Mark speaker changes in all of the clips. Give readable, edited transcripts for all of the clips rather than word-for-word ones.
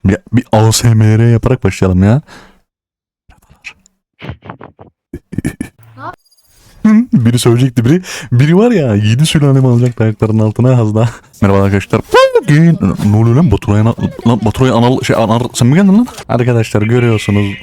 Speaker 1: Bir ASMR yaparak başlayalım ya. Biri söyleyecekti biri. Biri var ya 7 sülalemi alacak ayaklarının altına hazda. Merhaba arkadaşlar. Ne oluyor lan Baturay'a anal sen mi geldin lan? Arkadaşlar görüyorsunuz.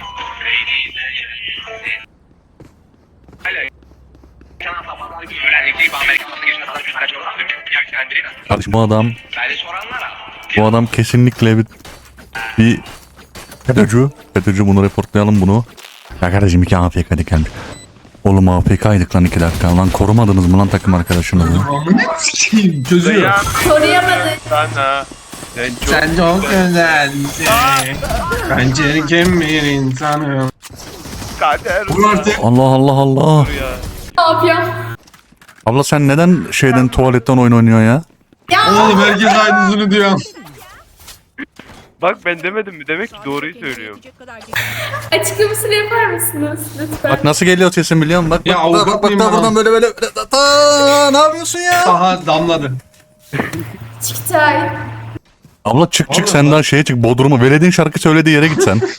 Speaker 1: Kardeşim bu adam kesinlikle bir FETÖ'cü. FETÖ'cü, bunu reportlayalım bunu. Ya kardeşim 2 AFK gelmiş. Oğlum AFK'ydık lan 2 dakika. Lan korumadınız mı lan takım arkadaşınızı?
Speaker 2: Çözüyor.
Speaker 3: Koruyamadık.
Speaker 4: Sana.
Speaker 2: Sen çok güzelsin. Ben çirkin bir insanım.
Speaker 4: Kader.
Speaker 2: Vur artık.
Speaker 1: Allah Allah Allah.
Speaker 4: Ya.
Speaker 3: Ne yapıyorum?
Speaker 1: Abla sen neden tuvaletten oyun oynuyorsun ya?
Speaker 3: Ya
Speaker 2: Oğlum herkes aynısını diyor.
Speaker 4: Bak ben demedim mi? Demek ki doğruyu söylüyorum.
Speaker 3: açıklamasını yapar mısınız lütfen?
Speaker 1: Bak nasıl geliyor sesin biliyor musun? Bak
Speaker 2: Ya avukat mıyım ben
Speaker 1: buradan
Speaker 2: lan?
Speaker 1: böyle ne yapıyorsun ya?
Speaker 2: Aha damladı.
Speaker 3: Çıktay.
Speaker 1: Abla çık
Speaker 2: Allah
Speaker 1: sen daha şeye çık Bodrum'a. Veled'in şarkı söylediği yere git sen.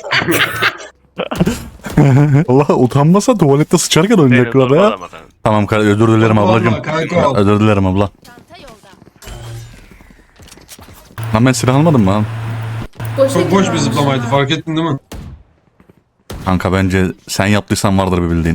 Speaker 1: Allah utanmasa tuvalette sıçarken oynayacaklar ya.
Speaker 4: zorbalamadan.
Speaker 1: Tamam özür dilerim
Speaker 2: Allah
Speaker 1: ablacığım.
Speaker 2: kanka ol.
Speaker 1: Özür dilerim abla. Lan ben silah almadım mı?
Speaker 2: Çok boş bir zıplamaydı, fark ettin değil mi?
Speaker 1: Kanka bence sen yaptıysan vardır bir bildiğin.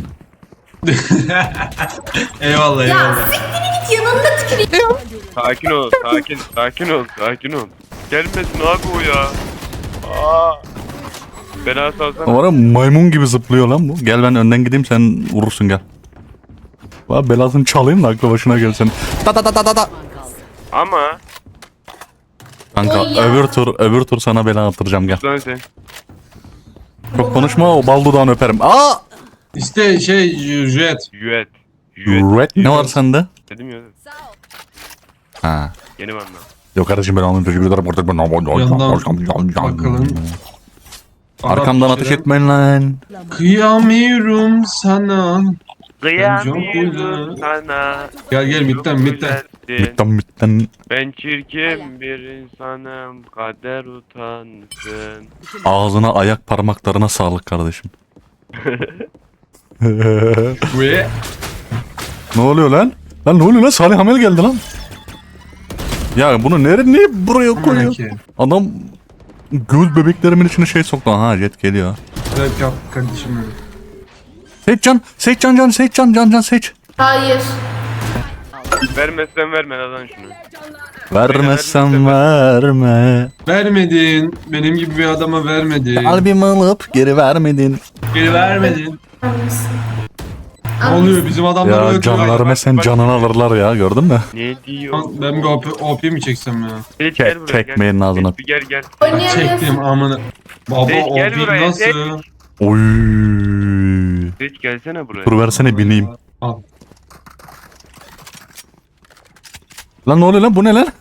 Speaker 2: Eyvallah
Speaker 3: Ya
Speaker 2: eyvallah.
Speaker 3: siktir git yanında tüküreyim.
Speaker 4: Sakin ol. Sakin ol. Gelmesin abi o ya. Aa. Bela salsana.
Speaker 1: O ara maymun gibi zıplıyor lan bu. Gel ben önden gideyim sen vurursun gel. Valla belasını çalayım da aklı başına gelsin. Ta.
Speaker 4: Ama.
Speaker 1: Kanka
Speaker 3: Oy ya.
Speaker 1: öbür tur sana bela attıracağım gel.
Speaker 4: Lan sen.
Speaker 1: Çok konuşma o bal dudağını öperim. Aa!
Speaker 2: İşte jet.
Speaker 4: Yüet.
Speaker 1: Red ne var sende?
Speaker 4: Dedim ya.
Speaker 1: Ha.
Speaker 4: Yeni anlam.
Speaker 1: Yok kardeşim ben onun teşekkür ederim.
Speaker 2: Bakalım.
Speaker 1: Arkamdan ateş etmeyin lan.
Speaker 2: Kıyamıyorum sana.
Speaker 4: Kıyamıyorum sana.
Speaker 2: Gel midden.
Speaker 1: Bitten.
Speaker 4: Ben çirkin bir insanım. Kader utansın.
Speaker 1: Ağzına ayak parmaklarına sağlık kardeşim.
Speaker 2: Ve
Speaker 1: Ne oluyor lan? Lan ne oluyor lan? Salih Hamel geldi lan. Ya bunu niye buraya koyuyor? Adam göz bebeklerimin içine şey soktu. Ha jet geliyor.
Speaker 2: Evet yap kardeşim benim.
Speaker 1: Seç seç.
Speaker 3: Hayır.
Speaker 4: Vermezsen verme lan şunu.
Speaker 1: Vermezsem verme.
Speaker 2: Vermedin. Benim gibi bir adama vermedin.
Speaker 1: Kalbimi alıp geri vermedin.
Speaker 2: Geri vermedin.
Speaker 3: Anlıyorsun.
Speaker 2: Ne oluyor bizim adamlar
Speaker 1: Ya
Speaker 2: öyle
Speaker 1: can
Speaker 2: diyor.
Speaker 1: verme sen canını alırlar ya gördün mü?
Speaker 4: Ne diyor?
Speaker 2: Ben bir OP mi çeksem ya?
Speaker 4: Seyit gel buraya,
Speaker 1: Çekmeyin
Speaker 4: gel.
Speaker 1: ağzına.
Speaker 4: Seyit, Gel.
Speaker 3: Oynayamıyorsun.
Speaker 2: Çektim amına. Baba
Speaker 4: Seyit, gel
Speaker 2: OP
Speaker 4: buraya,
Speaker 2: nasıl?
Speaker 4: Seyit.
Speaker 1: Oy.
Speaker 4: Seyit gelsene buraya.
Speaker 1: Dur versene bineyim.
Speaker 2: Al.
Speaker 1: Lan ne oluyor lan bu ne lan?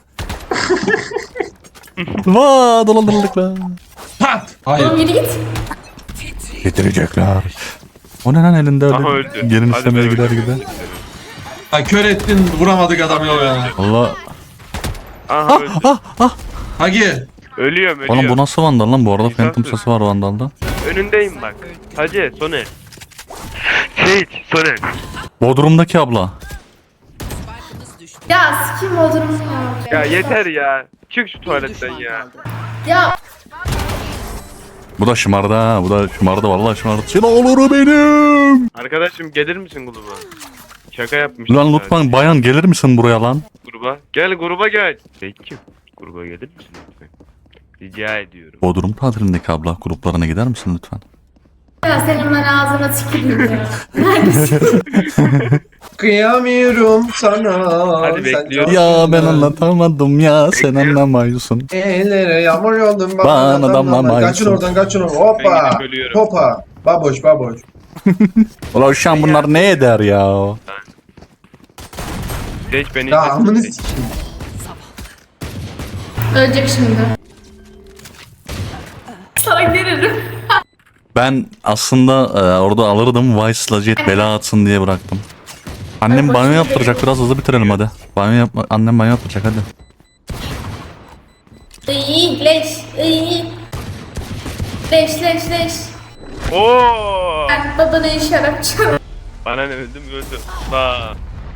Speaker 1: Vaa dolandırıldık lan.
Speaker 2: Pat!
Speaker 3: Oğlum
Speaker 2: Hayır.
Speaker 3: yürü git.
Speaker 1: Getirecekler. O ne lan elinde
Speaker 4: Aha
Speaker 1: öyle
Speaker 4: öldü.
Speaker 1: gelin
Speaker 4: Hadi
Speaker 1: istemeye
Speaker 4: ben
Speaker 1: gider
Speaker 4: öldüm.
Speaker 1: gider.
Speaker 2: Ha kör ettin vuramadık adamı ya.
Speaker 1: Allah.
Speaker 4: Aha öldü.
Speaker 2: Hagi.
Speaker 4: Ölüyorum.
Speaker 1: Oğlum bu nasıl vandal lan bu arada?
Speaker 4: İnsansız.
Speaker 1: Phantom sesi var vandalda.
Speaker 4: Önündeyim bak. Hacı Soner. Seyit Soner.
Speaker 1: Bodrum'daki abla.
Speaker 3: Ya sikim olurum ya.
Speaker 4: Ya yeter ya. Çık şu tuvaletten ya.
Speaker 3: Ya
Speaker 1: Bu da şımardı ha. Bu da şımardı vallahi şımardı. Sen olur benim.
Speaker 4: Arkadaşım gelir misin gruba? Şaka yapmış.
Speaker 1: Lan lütfen bayan gelir misin buraya lan?
Speaker 4: Gruba. Gel gruba gel. Seyit'cim gruba gelir misin lütfen? Rica ediyorum.
Speaker 1: Bodrum tatilindeki abla gruplarına gider misin lütfen?
Speaker 3: ya senin ben ağzına tüküreyim ya. Neredesin?
Speaker 2: Kıyamıyorum sana.
Speaker 4: Hadi bekliyorum.
Speaker 1: Ya ben anlatamadım ya sen anlamıyorsun.
Speaker 2: Ellere yağmur yoldum
Speaker 1: Bana damlamayısın.
Speaker 2: Kaçın oradan.
Speaker 4: Ben
Speaker 2: Hoppa.
Speaker 4: gidip ölüyorum.
Speaker 2: Hoppa. Baboş.
Speaker 1: Ulan şu an bunlar ne eder ya?
Speaker 4: Seyit beni
Speaker 2: Ya
Speaker 4: izle.
Speaker 2: amını
Speaker 4: Seyit.
Speaker 2: sikeyim.
Speaker 3: Ölecek şimdi. Sana gelirim.
Speaker 1: Ben aslında orada alırdım Vice'la Jet bela atsın diye bıraktım. Annem
Speaker 3: Ay,
Speaker 1: banyo
Speaker 3: başım
Speaker 1: yaptıracak
Speaker 3: dönüyor.
Speaker 1: biraz hızlı bitirelim hadi. Annem banyo yaptıracak hadi.
Speaker 3: İyi leş. İyi. Leş.
Speaker 4: Oo!
Speaker 3: Ben babanın şarapçı.
Speaker 4: Bana ne öldüm öldüm. La.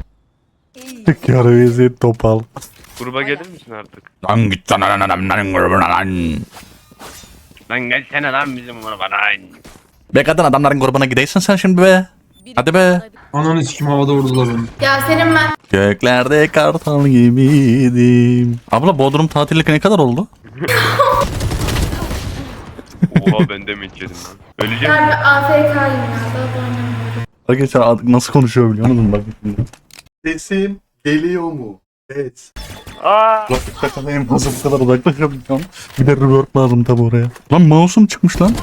Speaker 1: Yarı eziyet topal.
Speaker 4: Gruba gelir misin artık?
Speaker 1: Lan git lan grubuna lan.
Speaker 4: Lan gelsene lan bizim gruba lan.
Speaker 1: Be kadın adamların grubuna gideysin sen şimdi be. Hadi be.
Speaker 2: Ananı sikim havada vurdular onu.
Speaker 3: Yasemin ben.
Speaker 1: Göklerde kartal gibiydim. Abla Bodrum tatillik ne kadar oldu?
Speaker 4: Oha ben de mi içerim lan? Öleceğim.
Speaker 3: Ben bir AFK'yim ya. Daha da oynamıyorum.
Speaker 1: Arkadaşlar artık nasıl konuşuyor biliyor musun? Bak şimdi. Sesim geliyor mu? Evet.
Speaker 4: Aa!
Speaker 1: Kulaklık takılayım nasıl bu kadar uzaklaşabileceğim. Bir de reverb lazım tabi oraya. Lan mouse'um çıkmış lan.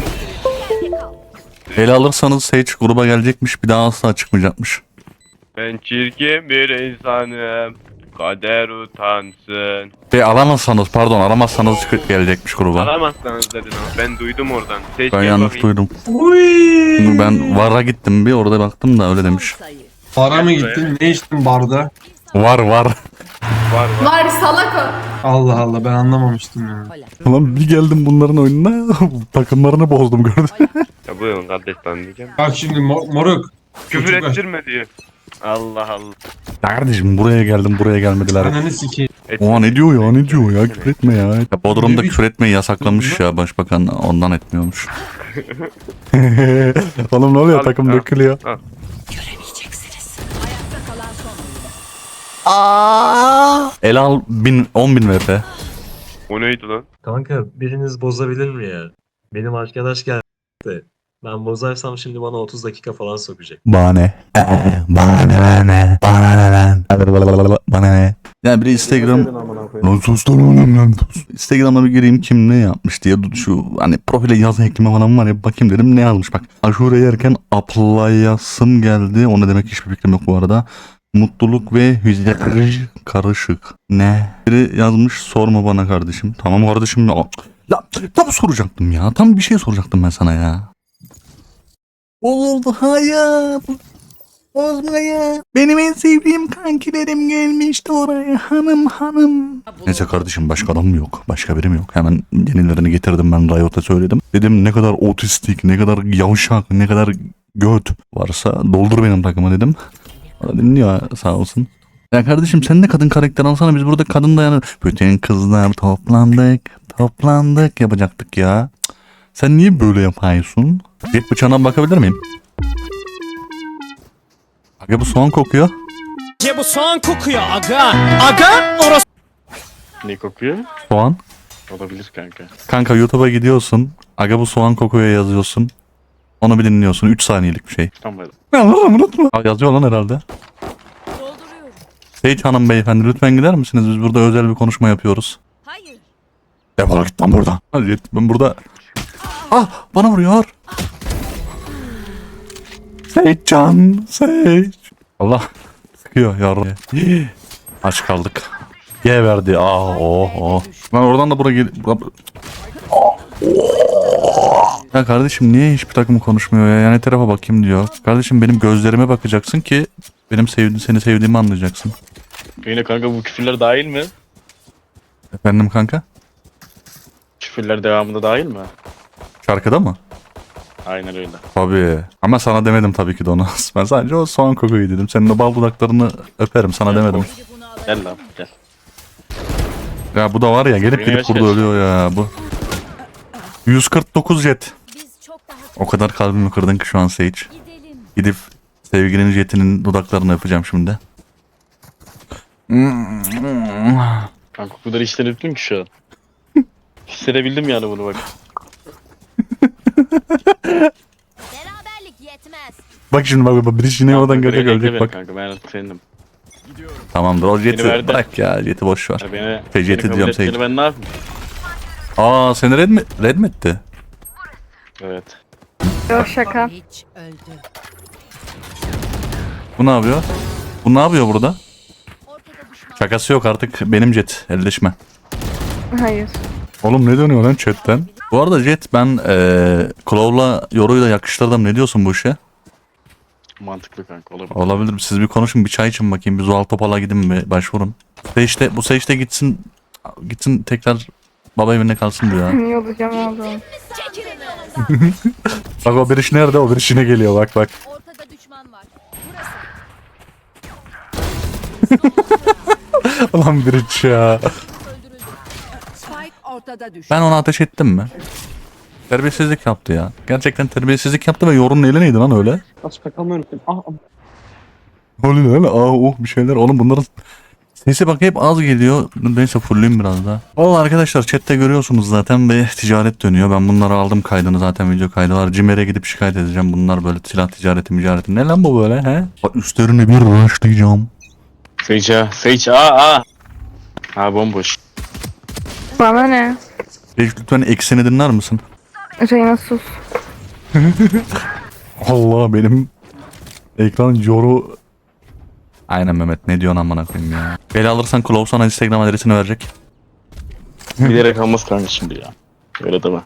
Speaker 1: Ele alırsanız Sage gruba gelecekmiş, bir daha asla çıkmayacakmış.
Speaker 4: Ben çirkin bir insanım. Kader utansın.
Speaker 1: Alamazsanız gelecekmiş gruba.
Speaker 4: Alamazsanız dedin ama ben duydum oradan. Seç
Speaker 1: Ben
Speaker 4: gel
Speaker 1: yanlış
Speaker 4: bakayım.
Speaker 1: duydum.
Speaker 2: Uy.
Speaker 1: Ben VAR'a gittim bir orada baktım da öyle demiş.
Speaker 2: Bara mı gittin? Ne içtin barda?
Speaker 1: Var.
Speaker 4: Var var.
Speaker 3: Var salak o.
Speaker 2: Allah Allah ben anlamamıştım ya.
Speaker 1: Ulan bir geldim bunların oyununa takımlarını bozdum gördün.
Speaker 4: Ya buyurun kardeş ben diyeceğim.
Speaker 2: Bak şimdi moruk.
Speaker 4: Küfür
Speaker 2: Çocuklar.
Speaker 4: ettirme diyor. Allah Allah.
Speaker 1: Kardeşim buraya geldim buraya gelmediler.
Speaker 2: Ananı sikeyim.
Speaker 1: Oha ne diyor ya küfür etme ya. Bodrum'da küfür etmeyi yasaklamış ya başbakan ondan etmiyormuş. Oğlum ne oluyor
Speaker 4: Al,
Speaker 1: takım
Speaker 4: al.
Speaker 1: dökülüyor.
Speaker 4: Al.
Speaker 1: El al 10.000 VP.
Speaker 4: O neydi lan?
Speaker 5: Kanka biriniz bozabilir mi ya? Benim arkadaş geldi. Ben bozarsam şimdi bana 30 dakika falan sokacak.
Speaker 1: Bana ne? Bana ne? Bana ne? Yani biri Instagram... Lan sus lan oğlum lan sus. Instagram'a bir gireyim kim ne yapmış diye şu hani profile yazı ekleme falan var ya bakayım dedim ne yazmış bak. Aşure yerken aplayasım geldi. O ne demek hiçbir fikrim yok bu arada. Mutluluk ve hüzün karışık. Ne? Biri yazmış sorma bana kardeşim. Tamam kardeşim ya. Ya tam soracaktım ya. Tam bir şey soracaktım ben sana ya. Oldu hayat. Bozma ya. Benim en sevdiğim kankilerim gelmişti oraya hanım. Neyse kardeşim başka adam mı yok? Başka birim yok. Hemen yenilerini getirdim ben Riot'a söyledim. Dedim ne kadar otistik, ne kadar yavşak, ne kadar göt varsa doldur benim takıma dedim. O da dinliyor sağ olsun. Ya kardeşim sen de kadın karakter alsana biz burada kadın dayanır. Bütün kızlar toplandık yapacaktık ya. Cık. Sen niye böyle yapıyorsun? Jet bıçağına bakabilir miyim? Aga bu soğan kokuyor.
Speaker 6: Ya bu soğan kokuyor aga. Aga orası.
Speaker 7: Ne kokuyor?
Speaker 1: Soğan.
Speaker 7: Olabilir kanka.
Speaker 1: Kanka YouTube'a gidiyorsun. Aga bu soğan kokuyor yazıyorsun. Onu bir dinliyorsun. 3 saniyelik bir şey.
Speaker 7: Tamam.
Speaker 1: Allah'ım unutma. Aa, yazıyor lan herhalde. Seyit Hanım beyefendi lütfen gider misiniz? Biz burada özel bir konuşma yapıyoruz.
Speaker 8: Hayır.
Speaker 1: Defol git lan buradan. Hadi ben burada. Ah bana vuruyor. Seyit Can. Seyit. Allah. Sıkıyor yavrum. Aç kaldık. G verdi. Oh. Ben oradan da buraya gel. Ya kardeşim niye hiçbir takım konuşmuyor ya? Yani tarafa bakayım diyor. Kardeşim benim gözlerime bakacaksın ki benim seni sevdiğimi anlayacaksın.
Speaker 7: Yine kanka bu küfürler dahil mi?
Speaker 1: Efendim kanka?
Speaker 7: Küfürler devamında dahil mi?
Speaker 1: Şarkıda mı?
Speaker 7: Aynen öyle.
Speaker 1: Tabii. Ama sana demedim tabii ki de onu. Ben sadece o soğan kokuyu dedim. Senin o bal dudaklarını öperim sana demedim.
Speaker 7: Gel lan gel.
Speaker 1: Ya bu da var ya gelip
Speaker 7: Yine
Speaker 1: gelip
Speaker 7: yaş
Speaker 1: burada
Speaker 7: kaç?
Speaker 1: ölüyor ya bu. 149 jet.
Speaker 8: Biz çok daha
Speaker 1: O kadar kalbimi kırdın ki şu an Sage.
Speaker 8: gidelim.
Speaker 1: Gidip sevgilinin jetinin dudaklarını öpeceğim şimdi.
Speaker 7: Kanka o kadar işten öptüm ki şu an. Hissedebildim yani bunu bak.
Speaker 8: Beraberlik yetmez.
Speaker 1: Bak şimdi bak birisi yine oradan gelecek
Speaker 7: Bekle
Speaker 1: ölecek
Speaker 7: beni
Speaker 1: bak.
Speaker 7: Kanka ben artık senindim.
Speaker 1: Tamamdır o jeti
Speaker 7: verdi.
Speaker 1: bırak ya jeti boş ver.
Speaker 7: Yani beni,
Speaker 1: Feciyeti
Speaker 7: beni kabul
Speaker 1: diyorum
Speaker 7: ettiğini
Speaker 1: Sage.
Speaker 7: ben ne yapayım?
Speaker 1: Aa seni red mi etti?
Speaker 7: Evet.
Speaker 8: Hiç öldü.
Speaker 1: Bu ne yapıyor? Bu ne yapıyor burada?
Speaker 8: Ortada düşman.
Speaker 1: Şakası yok artık benim jet elleşme.
Speaker 9: Hayır.
Speaker 1: Oğlum ne dönüyor lan chatten? Bu arada Jet ben Claw'la Yoru'yu da yakıştırdım. Ne diyorsun bu işe?
Speaker 7: Mantıklı kanka olabilir.
Speaker 1: Olabilir. Siz bir konuşun bir çay için bakayım. Bir Zuhal Topal'a gidin bir başvurun. Bu Sage'de gitsin tekrar Baba evinde kalsın bu ya.
Speaker 9: İyi olacağım oğlum.
Speaker 8: Çekilin yolumdan.
Speaker 1: Bak o bir iş nerede? O bir işine geliyor bak bak.
Speaker 8: Ortada düşman var. Burası.
Speaker 1: Ulan bir iş ya.
Speaker 8: Spike ortada düş.
Speaker 1: Ben onu ateş ettim mi? Terbiyesizlik yaptı ya. Gerçekten terbiyesizlik yaptı ve yorunun eli neydi lan öyle? Oluyor öyle. Bir şeyler. Oğlum bunların sesi bak hep az geliyor. Neyse fulleyim biraz daha. Vallahi arkadaşlar chatte görüyorsunuz zaten bir ticaret dönüyor. Ben bunları aldım kaydını zaten video kaydı var. Cimer'e gidip şikayet edeceğim. Bunlar böyle silah ticareti. Ne lan bu böyle he? Bak üstlerine bir rushlayacağım.
Speaker 7: Sage aa. Ha bomboş.
Speaker 9: Bana ne?
Speaker 1: Lütfen eksini dinler misin?
Speaker 9: Reyna sus.
Speaker 1: Allah benim ekran yoru. Aynen Mehmet ne diyorsun amına koyayım ya. Beni alırsan Klaus sana Instagram adresini verecek.
Speaker 7: Bilerek almaz kanka şimdi ya. Öyle deme.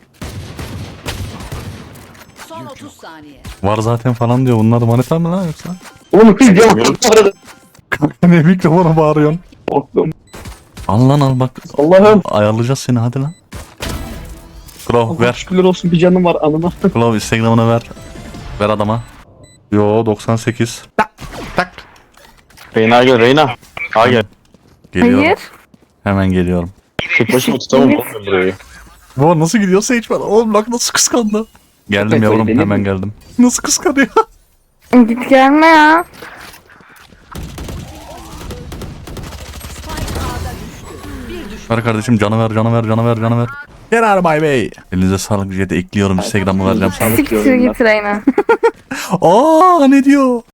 Speaker 8: Son 30 saniye.
Speaker 1: Var zaten falan diyor. Bunlar manita mı lan yoksa?
Speaker 7: Oğlum kız ya.
Speaker 1: Ne mikrofona bağırıyorsun? Al lan al bak.
Speaker 7: Allah'ım.
Speaker 1: Ayarlayacağız seni hadi lan. Klaus ver.
Speaker 7: Şükürler olsun bir canım var anına.
Speaker 1: Klaus Instagram'ını ver. Ver adama. Yo 98. Tak.
Speaker 7: Reyna gel Reyna. Ha gel.
Speaker 1: Geliyorum.
Speaker 9: Hayır.
Speaker 1: Hemen geliyorum.
Speaker 7: Tek başıma tutamam oğlum ben burayı.
Speaker 1: Bu nasıl gidiyor Sage var? Oğlum bak nasıl kıskandı. Geldim yavrum hemen geldim. Nasıl kıskanıyor?
Speaker 9: Git gelme ya.
Speaker 1: Ver kardeşim canı ver. Get out of my way. Elinize sağlık. Jet'e ekliyorum. Instagram'ı vereceğim sana.
Speaker 9: Siktir git Reyna.
Speaker 1: Aa ne diyor?